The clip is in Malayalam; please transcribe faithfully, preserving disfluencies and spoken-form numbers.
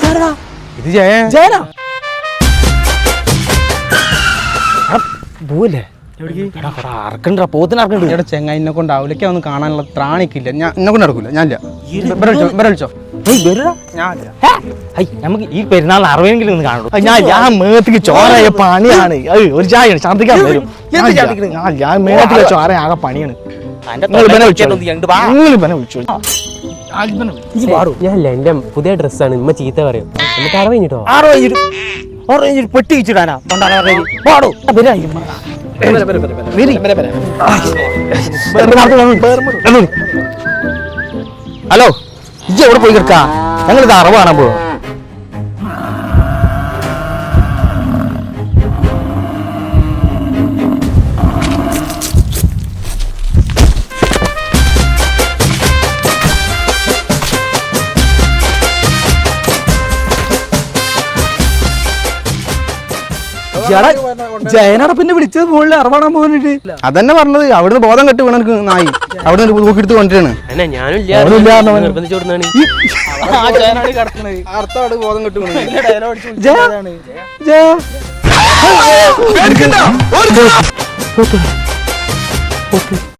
ഇത് ജയ ജയനാ പോവല്ലേ പോത്തിനറക്കണ്ട ചെങ്ങായിനെ കൊണ്ട് അവലേക്ക് ഒന്ന് കാണാനുള്ള ത്രാണിക്കില്ല. ഞാൻ എന്നെ കൊണ്ട് നടക്കൂല. ഞാനില്ല. വിളിച്ചോ നമുക്ക് ഈ പെരുന്നാൾ അറുപതെങ്കിലും ഒന്ന് കാണുള്ളൂ. ഞാൻ ഞാൻ മേത്തിക്ക് ചോറയ പണിയാണ്. ഒരു ചായ ഛർദ്ദിക്കാൻ വരും. ഞാൻ മേത്തിലെ ചോറ ആകെ പണിയാണ്. ഞാനല്ല എന്റെ പുതിയ ഡ്രസ്സാണ്. ഇമ്മ ചീത്ത പറയും. നമുക്ക് അറ കഴിഞ്ഞിട്ടോ ആറോ പെട്ടി വെച്ചിടാനാ പാടോ. ഹലോ ഇജ്ജ് എവിടെ പോയി കിടക്കാ? ഞങ്ങളിത് അറവ് കാണാൻ പോവാ. ജയനാടെ പിന്നെ വിളിച്ചത് മുകളിൽ അറവാടാൻ പോകാനിട്ട് അതന്നെ പറഞ്ഞത്. അവിടുന്ന് ബോധം കെട്ട് വീണ എനിക്ക് നായി അവിടെ നോക്കിയെടുത്ത് കൊണ്ടിട്ടാണ്. ബോധം കെട്ട് വീണ